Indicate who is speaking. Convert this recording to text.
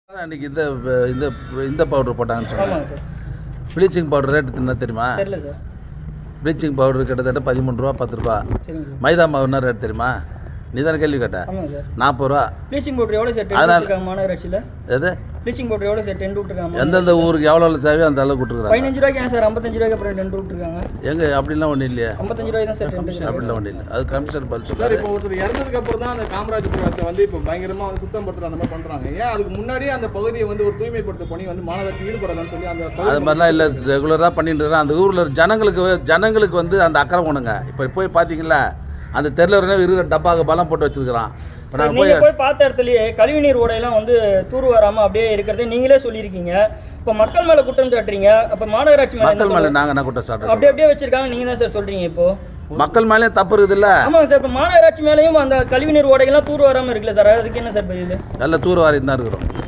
Speaker 1: அன்றைக்கி இந்த இந்த பவுடர் போட்டாங்கன்னு சொன்னாங்க
Speaker 2: சார்.
Speaker 1: ப்ளீச்சிங் பவுடர் ரேட்டு என்ன தெரியுமா?
Speaker 2: தெரியல சார்.
Speaker 1: ப்ளீச்சிங் பவுடர் கிட்டத்தட்ட 13 ரூபா 10 ரூபா.
Speaker 2: சரிங்க சார்.
Speaker 1: மைதா மாவு என்ன ரேட் தெரியுமா? நீ தானே கேள்வி கேட்ட?
Speaker 2: ஆமாங்க சார்.
Speaker 1: 40 ரூபா.
Speaker 2: ப்ளீச்சிங் பவுடர் எவ்வளோ சார் டென் விட்டுருக்காங்க மாநகராட்சியில்?
Speaker 1: எது
Speaker 2: ப்ளீச்சிங் பவுடர் எவ்வளோ சார் டென் விட்டுருக்காங்க?
Speaker 1: எந்தெந்த ஊருக்கு எவ்வளோ தேவையோ அந்த அளவுக்கு விட்டுருக்காங்க.
Speaker 2: 15 ரூபாய்க்கு ஏன் சார் 55 ரூபாய்க்கு அப்புறம் டென் விட்டுருக்காங்க?
Speaker 1: எங்கே அப்படிலாம் ஒன்றும் இல்லையா?
Speaker 2: 55 ரூபாய் தான் சார் டென்.
Speaker 1: அப்படிலாம் ஒன்றும் இல்லை. அது கமிஷனர் பதில்
Speaker 3: சார்.
Speaker 1: சொல்றாரு.
Speaker 3: இப்போ ஒருத்தர் இறந்ததுக்கு அப்புறம் தான் அந்த காமராஜபுரத்தை வந்து இப்போ பயங்கரமாக வந்து சுத்தம் படுத்துற அந்த மாதிரி பண்ணுறாங்க. ஏன் அதுக்கு முன்னாடியே அந்த பகுதியை வந்து ஒரு தூய்மைப்படுத்த பணி வந்து மாநகராட்சி ஈடுபடாதான்னு சொல்லி அந்த
Speaker 1: அது மாதிரிலாம் இல்லை, ரெகுலராக பண்ணிட்டு இருக்கேன். அந்த ஊரில் ஜனங்களுக்கு வந்து அந்த அக்கறை உணங்க. இப்போ போய் பார்த்தீங்களா அந்த தெருவில் இருக்கிற டப்பாக்கு பலம் போட்டு வச்சிருக்கிறான். இப்போ நாங்கள்
Speaker 2: போய் பார்த்த இடத்துலயே கழிவுநீர் ஓடையெல்லாம் வந்து தூர் வராமல் அப்படியே இருக்கிறதே நீங்களே சொல்லியிருக்கீங்க. இப்போ மக்கள் மேலே குற்றம் சாட்டுறீங்க. அப்போ மாநகராட்சி
Speaker 1: மக்கள் மேலே நாங்கள் என்ன குற்றம் சாட்டுறோம்?
Speaker 2: அப்படியே வச்சிருக்காங்க, நீங்கள் தான் சார் சொல்கிறீங்க. இப்போ
Speaker 1: மக்கள் மேலே தப்பு இருக்குதுல்ல?
Speaker 2: ஆமாங்க சார். இப்போ மாநகராட்சி மேலேயும் அந்த கழிவுநீர் ஓடைகள்லாம் தூர் வராமல் இருக்குல்ல சார், அதுக்கு என்ன சார் பதில்?
Speaker 1: நல்ல தூர் வாரி தான் இருக்கிறோம்.